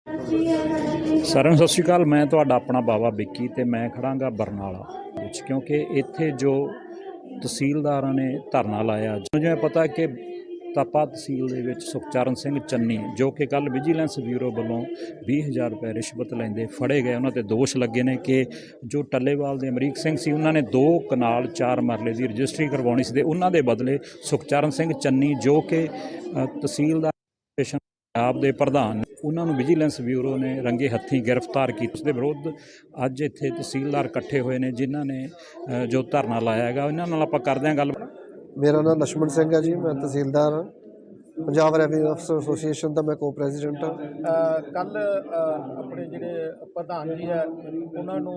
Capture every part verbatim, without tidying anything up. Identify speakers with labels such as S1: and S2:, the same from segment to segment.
S1: ਸਾਰਿਆਂ ਨੂੰ ਸਤਿ ਸ਼੍ਰੀ ਅਕਾਲ। ਮੈਂ ਤੁਹਾਡਾ ਆਪਣਾ ਬਾਵਾ ਵਿੱਕੀ ਤੇ ਮੈਂ ਖੜਾਂਗਾ ਬਰਨਾਲਾ ਵਿੱਚ, ਕਿਉਂਕਿ ਇੱਥੇ ਜੋ ਤਹਿਸੀਲਦਾਰਾਂ ਨੇ ਧਰਨਾ ਲਾਇਆ, ਜਿਵੇਂ ਪਤਾ ਕਿ ਤਪਾ ਤਹਿਸੀਲ ਦੇ ਵਿੱਚ ਸੁਖਚਰਨ ਸਿੰਘ ਚੰਨੀ, ਜੋ ਕਿ ਕੱਲ੍ਹ ਵਿਜੀਲੈਂਸ ਬਿਊਰੋ ਵੱਲੋਂ ਵੀਹ ਹਜ਼ਾਰ ਰੁਪਏ ਰਿਸ਼ਵਤ ਲੈਂਦੇ ਫੜੇ ਗਏ। ਉਹਨਾਂ 'ਤੇ ਦੋਸ਼ ਲੱਗੇ ਨੇ ਕਿ ਜੋ ਟੱਲੇਵਾਲ ਦੇ ਅਮਰੀਕ ਸਿੰਘ ਸੀ, ਉਹਨਾਂ ਨੇ ਦੋ ਕਨਾਲ ਚਾਰ ਮਰਲੇ ਦੀ ਰਜਿਸਟਰੀ ਕਰਵਾਉਣੀ ਸੀ ਤੇ ਉਹਨਾਂ ਦੇ ਬਦਲੇ ਸੁਖਚਰਨ ਸਿੰਘ ਚੰਨੀ, ਜੋ ਕਿ ਤਹਿਸੀਲਦਾਰ ਪੰਜਾਬ ਦੇ ਪ੍ਰਧਾਨ, ਉਹਨਾਂ ਨੂੰ ਵਿਜੀਲੈਂਸ ਬਿਊਰੋ ਨੇ ਰੰਗੇ ਹੱਥੀਂ ਗ੍ਰਿਫਤਾਰ ਕੀਤਾ। ਉਸ ਦੇ ਵਿਰੁੱਧ ਅੱਜ ਇੱਥੇ ਤਹਿਸੀਲਦਾਰ ਇਕੱਠੇ ਹੋਏ ਨੇ, ਜਿਨ੍ਹਾਂ ਨੇ ਜੋ ਧਰਨਾ ਲਾਇਆ ਹੈਗਾ। ਇਹਨਾਂ ਨਾਲ ਆਪਾਂ ਕਰਦੇ ਹਾਂ ਗੱਲ।
S2: ਮੇਰਾ ਨਾਮ ਲਛਮਣ ਸਿੰਘ ਹੈ ਜੀ, ਮੈਂ ਤਹਿਸੀਲਦਾਰ ਹਾਂ, ਪੰਜਾਬ ਰੈਵਨਿਊ ਅਫਸਰ ਐਸੋਸੀਏਸ਼ਨ ਦਾ ਮੈਂ ਕੋ ਪ੍ਰੈਜ਼ੀਡੈਂਟ ਹਾਂ।
S3: ਕੱਲ੍ਹ ਆਪਣੇ ਜਿਹੜੇ ਪ੍ਰਧਾਨ ਜੀ ਹੈ ਉਹਨਾਂ ਨੂੰ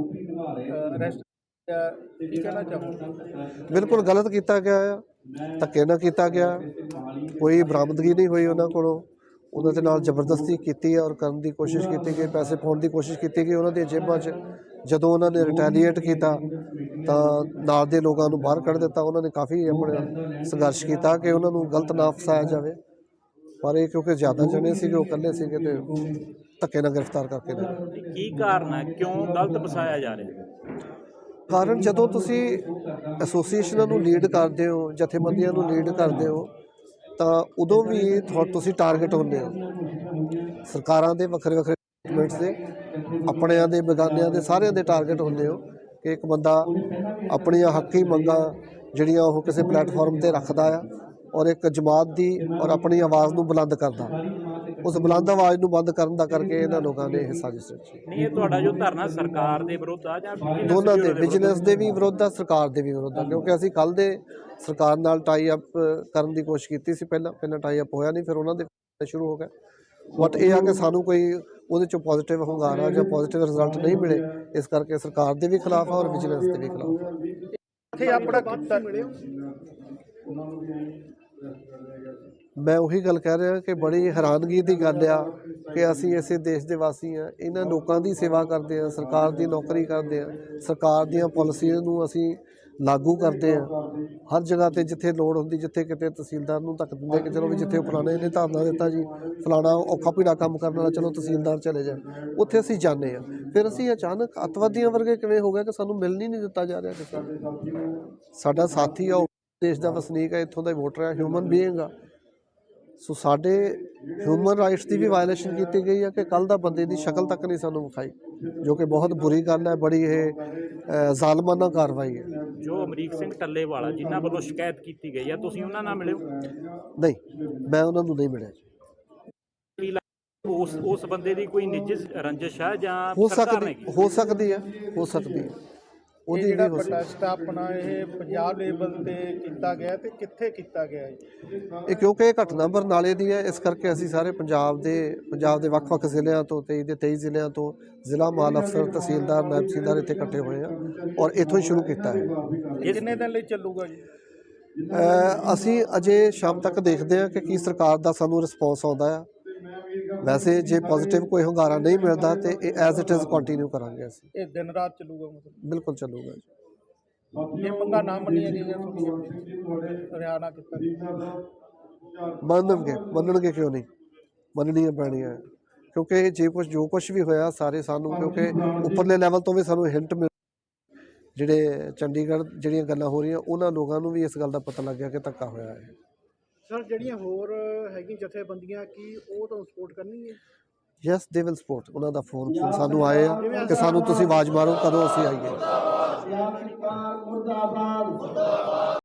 S3: ਅਰੈਸਟ ਕੀ ਕਹਿਣਾ ਚਾਹੋਗੇ?
S2: ਬਿਲਕੁਲ ਗਲਤ ਕੀਤਾ ਗਿਆ ਆ, ਧੱਕੇ ਨਾਲ ਕੀਤਾ ਗਿਆ, ਕੋਈ ਬਰਾਮਦਗੀ ਨਹੀਂ ਹੋਈ ਉਹਨਾਂ ਕੋਲੋਂ। ਉਹਨਾਂ ਦੇ ਨਾਲ ਜ਼ਬਰਦਸਤੀ ਕੀਤੀ ਹੈ ਔਰ ਕਰਨ ਦੀ ਕੋਸ਼ਿਸ਼ ਕੀਤੀ ਗਈ, ਪੈਸੇ ਪਾਉਣ ਦੀ ਕੋਸ਼ਿਸ਼ ਕੀਤੀ ਗਈ ਉਹਨਾਂ ਦੀਆਂ ਜੇਬਾਂ 'ਚ। ਜਦੋਂ ਉਹਨਾਂ ਨੇ ਰਿਟੈਲੀਏਟ ਕੀਤਾ ਤਾਂ ਨਾਲ ਦੇ ਲੋਕਾਂ ਨੂੰ ਬਾਹਰ ਕੱਢ ਦਿੱਤਾ। ਉਹਨਾਂ ਨੇ ਕਾਫੀ ਆਪਣੇ ਸੰਘਰਸ਼ ਕੀਤਾ ਕਿ ਉਹਨਾਂ ਨੂੰ ਗਲਤ ਨਾ ਫਸਾਇਆ ਜਾਵੇ, ਪਰ ਇਹ ਕਿਉਂਕਿ ਜ਼ਿਆਦਾ ਜਣੇ ਸੀਗੇ, ਉਹ ਇਕੱਲੇ ਸੀਗੇ ਤੇ ਧੱਕੇ ਨਾਲ ਗ੍ਰਿਫਤਾਰ ਕਰਕੇ ਲਿਆ।
S1: ਕੀ ਕਾਰਨ ਹੈ, ਕਿਉਂ ਗਲਤ ਫਸਾਇਆ ਜਾ ਰਿਹਾ?
S2: ਕਾਰਨ, ਜਦੋਂ ਤੁਸੀਂ ਐਸੋਸੀਏਸ਼ਨਾਂ ਨੂੰ ਲੀਡ ਕਰਦੇ ਹੋ, ਜਥੇਬੰਦੀਆਂ ਨੂੰ ਲੀਡ ਕਰਦੇ ਹੋ, ਤਾਂ ਉਦੋਂ ਵੀ ਤੁਸੀਂ ਟਾਰਗੇਟ ਹੁੰਦੇ ਹੋ ਸਰਕਾਰਾਂ ਦੇ, ਵੱਖਰੇ ਵੱਖਰੇ ਡਿਪਾਰਟਮੈਂਟਸ ਦੇ, ਆਪਣਿਆਂ ਦੇ, ਬੇਗਾਨਿਆਂ ਦੇ, ਸਾਰਿਆਂ ਦੇ ਟਾਰਗੇਟ ਹੁੰਦੇ ਹੋ ਕਿ ਇੱਕ ਬੰਦਾ ਆਪਣੀਆਂ ਹੱਕੀ ਮੰਗਾਂ ਜਿਹੜੀਆਂ ਉਹ ਕਿਸੇ ਪਲੇਟਫਾਰਮ 'ਤੇ ਰੱਖਦਾ ਆ ਔਰ ਇੱਕ ਜਮਾਤ ਦੀ ਔਰ ਆਪਣੀ ਆਵਾਜ਼ ਨੂੰ ਬੁਲੰਦ ਕਰਦਾ। ਉਸ ਬੁਲੰਦ ਆਵਾਜ਼ ਨੂੰ ਬੰਦ ਕਰਨ ਦਾ ਕਰਕੇ ਇਹਨਾਂ ਲੋਕਾਂ ਨੇ ਇਹ ਸਾਜ਼ਿਸ਼ ਰਚੀ।
S1: ਨਹੀਂ, ਇਹ ਤੁਹਾਡਾ ਜੋ ਧਰਨਾ ਸਰਕਾਰ ਦੇ ਵਿਰੁੱਧ ਆ ਜਾਂ
S2: ਦੋਨਾਂ ਦੇ, ਬਿਜ਼ਨਸ ਦੇ ਵੀ ਵਿਰੁੱਧ ਆ, ਸਰਕਾਰ ਦੇ ਵੀ ਵਿਰੁੱਧ ਆ, ਕਿਉਂਕਿ ਅਸੀਂ ਕੱਲ੍ਹ ਦੇ ਸਰਕਾਰ ਨਾਲ ਟਾਈ ਅਪ ਕਰਨ ਦੀ ਕੋਸ਼ਿਸ਼ ਕੀਤੀ ਸੀ। ਪਹਿਲਾਂ ਪਹਿਲਾਂ ਟਾਈ ਅਪ ਹੋਇਆ ਨਹੀਂ, ਫਿਰ ਉਹਨਾਂ ਦੇ ਸ਼ੁਰੂ ਹੋ ਗਿਆ। ਬਟ ਇਹ ਆ ਕਿ ਸਾਨੂੰ ਕੋਈ ਉਹਦੇ 'ਚੋਂ ਪੋਜ਼ੀਟਿਵ ਹੁੰਗਾਰਾ ਜਾਂ ਪੋਜ਼ੀਟਿਵ ਰਿਜ਼ਲਟ ਨਹੀਂ ਮਿਲੇ, ਇਸ ਕਰਕੇ ਸਰਕਾਰ ਦੇ ਵੀ ਖਿਲਾਫ ਆ ਔਰ ਵਿਜੀਲੈਂਸ ਦੇ ਵੀ ਖਿਲਾਫ ਆ।
S3: ਇੱਥੇ ਆਪਣਾ ਕੀਤਾ
S2: ਮੈਂ ਉਹੀ ਗੱਲ ਕਹਿ ਰਿਹਾ ਕਿ ਬੜੀ ਹੈਰਾਨਗੀ ਦੀ ਗੱਲ ਆ ਕਿ ਅਸੀਂ ਇਸੇ ਦੇਸ਼ ਦੇ ਵਾਸੀ ਹਾਂ, ਇਹਨਾਂ ਲੋਕਾਂ ਦੀ ਸੇਵਾ ਕਰਦੇ ਹਾਂ, ਸਰਕਾਰ ਦੀ ਨੌਕਰੀ ਕਰਦੇ ਹਾਂ, ਸਰਕਾਰ ਦੀਆਂ ਪਾਲਿਸੀਆਂ ਨੂੰ ਅਸੀਂ ਲਾਗੂ ਕਰਦੇ ਹਾਂ ਹਰ ਜਗ੍ਹਾ 'ਤੇ ਜਿੱਥੇ ਲੋੜ ਹੁੰਦੀ। ਜਿੱਥੇ ਕਿਤੇ ਤਹਿਸੀਲਦਾਰ ਨੂੰ ਧੱਕ ਦਿੰਦੇ ਕਿ ਚਲੋ ਵੀ ਜਿੱਥੇ ਫਲਾਣੇ ਨੇ ਧਰਨਾ ਦਿੱਤਾ ਜੀ, ਫਲਾਣਾ ਔਖਾ ਪੀੜਾ ਕੰਮ ਕਰਨ ਵਾਲਾ, ਚਲੋ ਤਹਿਸੀਲਦਾਰ ਚਲੇ ਜਾਏ, ਉੱਥੇ ਅਸੀਂ ਜਾਂਦੇ ਹਾਂ। ਫਿਰ ਅਸੀਂ ਅਚਾਨਕ ਅੱਤਵਾਦੀਆਂ ਵਰਗੇ ਕਿਵੇਂ ਹੋ ਗਿਆ ਕਿ ਸਾਨੂੰ ਮਿਲਣ ਹੀ ਨਹੀਂ ਦਿੱਤਾ ਜਾ ਰਿਹਾ ਕਿਸੇ। ਸਾਡਾ ਸਾਥੀ ਆ, ਉਹ ਦੇਸ਼ ਦਾ ਵਸਨੀਕ ਹੈ, ਇੱਥੋਂ ਦਾ ਵੋਟਰ ਹੈ, ਹਿਊਮਨ ਬੀਇੰਗ ਆ। ਸੋ ਸਾਡੇ ਹਿਊਮਨ ਰਾਈਟਸ ਦੀ ਵੀ ਵਾਇਲੇਸ਼ਨ ਕੀਤੀ ਗਈ ਹੈ ਕਿ ਕੱਲ੍ਹ ਦਾ ਬੰਦੇ ਦੀ ਸ਼ਕਲ ਤੱਕ ਨਹੀਂ ਸਾਨੂੰ ਵਿਖਾਈ, ਜੋ ਕਿ ਬਹੁਤ ਬੁਰੀ ਗੱਲ ਹੈ। ਬੜੀ ਇਹ ਜ਼ਾਲਮਾਨਾ ਕਾਰਵਾਈ ਹੈ।
S1: ਜੋ ਅਮਰੀਕ ਸਿੰਘ ਟੱਲੇਵਾਲਾ ਜਿਨ੍ਹਾਂ ਵੱਲੋਂ ਸ਼ਿਕਾਇਤ ਕੀਤੀ ਗਈ ਆ, ਤੁਸੀਂ ਉਹਨਾਂ ਨਾਲ ਮਿਲੇ ਹੋ?
S2: ਨਹੀਂ, ਮੈਂ ਉਹਨਾਂ ਨੂੰ ਨਹੀਂ ਮਿਲਿਆ ਜੀ।
S1: ਉਸ ਉਸ ਬੰਦੇ ਦੀ ਕੋਈ ਨਿੱਜੀ ਰੰਜਿਸ਼ ਹੈ ਜਾਂ
S2: ਹੋ ਸਕਦੀ ਹੋ ਸਕਦੀ ਹੈ ਹੋ ਸਕਦੀ ਹੈ
S3: ਉਹਦੀ ਜਿਹੜਾ ਪ੍ਰੋਟੈਸਟ ਆਪਣਾ ਇਹ ਪੰਜਾਬ ਲੈਵਲ 'ਤੇ ਕੀਤਾ ਗਿਆ ਤੇ ਕਿੱਥੇ ਕੀਤਾ ਗਿਆ ਹੈ?
S2: ਇਹ ਕਿਉਂਕਿ ਇਹ ਘਟਨਾ ਬਰਨਾਲੇ ਦੀ ਹੈ, ਇਸ ਕਰਕੇ ਅਸੀਂ ਸਾਰੇ ਪੰਜਾਬ ਦੇ ਪੰਜਾਬ ਦੇ ਵੱਖ-ਵੱਖ ਜ਼ਿਲ੍ਹਿਆਂ ਤੋਂ, ਤੇਈ ਦੇ ਤੇਈ ਜ਼ਿਲ੍ਹਿਆਂ ਤੋਂ ਜ਼ਿਲ੍ਹਾ ਮਾਲ ਅਫਸਰ, ਤਹਿਸੀਲਦਾਰ, ਨਾਇਬ ਤਹਿਸੀਲਦਾਰ ਇੱਥੇ ਇਕੱਠੇ ਹੋਏ ਆ ਔਰ ਇੱਥੋਂ ਹੀ ਸ਼ੁਰੂ ਕੀਤਾ ਹੈ।
S3: ਇਹ ਕਿੰਨੇ ਦਿਨ ਲਈ ਚੱਲੂਗਾ ਜੀ?
S2: ਅਸੀਂ ਅਜੇ ਸ਼ਾਮ ਤੱਕ ਦੇਖਦੇ ਹਾਂ ਕਿ ਕੀ ਸਰਕਾਰ ਦਾ ਸਾਨੂੰ ਰਿਸਪੌਂਸ ਆਉਂਦਾ ਆ। ਵੈਸੇ ਜੇ ਪੋਜ਼ੀਟਿਵ ਕੋਈ ਹੁੰਗਾਰਾ ਨਹੀਂ ਮਿਲਦਾ ਤੇ ਇਹ ਐਜ਼ ਇਟ ਇਜ਼ ਕੰਟੀਨਿਊ ਕਰਾਂਗੇ। ਅਸੀਂ
S3: ਇਹ ਦਿਨ ਰਾਤ ਚੱਲੂਗਾ? ਮਤਲਬ
S2: ਬਿਲਕੁਲ ਚੱਲੂਗਾ ਜੀ।
S3: ਜੇ ਮੰਗਾਂ ਨਾ ਮੰਨੀਆਂ ਗਈਆਂ, ਹਰਿਆਣਾ ਕੀਤਾ
S2: ਮੰਨਣਗੇ ਮੰਨਣਗੇ ਕਿਉਂ ਨਹੀਂ, ਮੰਨਣੀਆਂ ਪੈਣੀਆਂ, ਕਿਉਂਕਿ ਜੇ ਕੁਛ ਜੋ ਕੁਛ ਵੀ ਹੋਇਆ ਸਾਰੇ ਸਾਨੂੰ, ਕਿਉਂਕਿ ਉੱਪਰਲੇ ਲੈਵਲ ਤੋਂ ਵੀ ਸਾਨੂੰ ਹਿੰਟ ਮਿਲ, ਜਿਹੜੇ ਚੰਡੀਗੜ੍ਹ ਜਿਹੜੀਆਂ ਗੱਲਾਂ ਹੋ ਰਹੀਆਂ ਉਹਨਾਂ ਲੋਕਾਂ ਨੂੰ ਵੀ ਇਸ ਗੱਲ ਦਾ ਪਤਾ ਲੱਗ ਗਿਆ ਕਿ ਧੱਕਾ ਹੋਇਆ ਹੈ।
S3: ਸਰ, ਜਿਹੜੀਆਂ ਹੋਰ ਹੈਗੀਆਂ ਜਥੇਬੰਦੀਆਂ, ਕੀ ਉਹ ਤੁਹਾਨੂੰ ਸਪੋਰਟ ਕਰਨਗੀਆਂ?
S2: Yes, they will support. ਉਹਨਾਂ ਦਾ ਫੋਨ ਸਾਨੂੰ ਆਏ ਆ ਕਿ ਸਾਨੂੰ ਤੁਸੀਂ ਆਵਾਜ਼ ਮਾਰੋ, ਕਦੋਂ ਅਸੀਂ ਆਈਏ।